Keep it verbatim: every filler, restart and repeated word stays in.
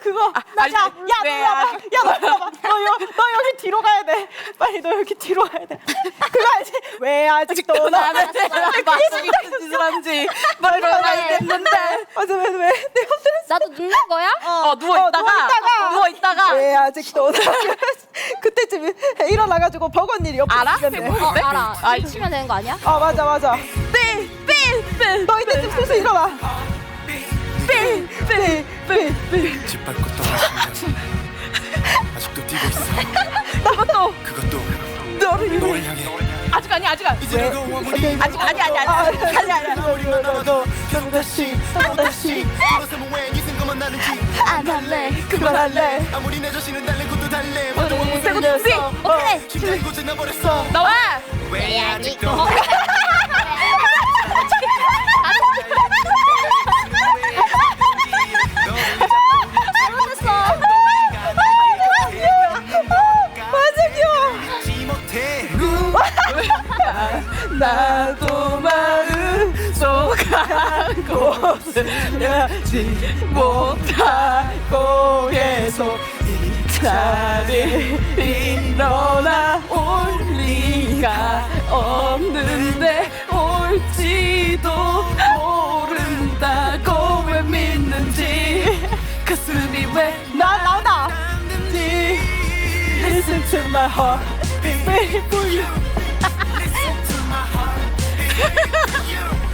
그거. 아, 나, 아니, 야, 야, 왜 너 와봐. 아- 야, 너 와봐. 너, 여, 너 여기 뒤로 가야 돼. 빨리 너 여기 뒤로 가야 돼. 그거 알지? 왜 아직도 나는 나는 마치 무슨 짓을 한지 뭘 알겠는데. 맞아, 왜, 왜? 내 맘대로 나도 눕는 거야? 어 누워 어, 있다가 누워있다가. 누워 있다가 왜 아직도 나 그때쯤 일어나가지고 버건 일이 옆에 알아? 있겠네. 뭐 어 근데? 알아. 아, 이 치면 되는 거 아니야? 아 맞아 맞아. 삐삐삐 너 이때쯤 슬슬 일어나. 삐삐삐삐 짓밟고 떠나시면 아직도 뛰고 있어. 그것도 그것도 너를 위해 너를 향해. 아직 아니야 아직 아니야. 이제 내가 아무리 아직 아니 아니 아니 아니 아니 아니. 우리만 남아도 결국 다시 또 다시 돌아서면 왜 이 생각만 나는지 안 할래. 그만할래. 아무리 내 자신은 달래고도 달래 세고 삐 오케이. 기다리고 지나버렸어. 나와. 왜 아직도 잘못했어. 맞아 귀여워. 잊지 못해. 나도 마음 속한 곳을 여지 못하고 계속 이 자리에 일어나 올 리가 없는데 올지도 모른다고 왜 믿는지 가슴이 왜 나 나온다. 나는지 Listen to my heart Waiting for you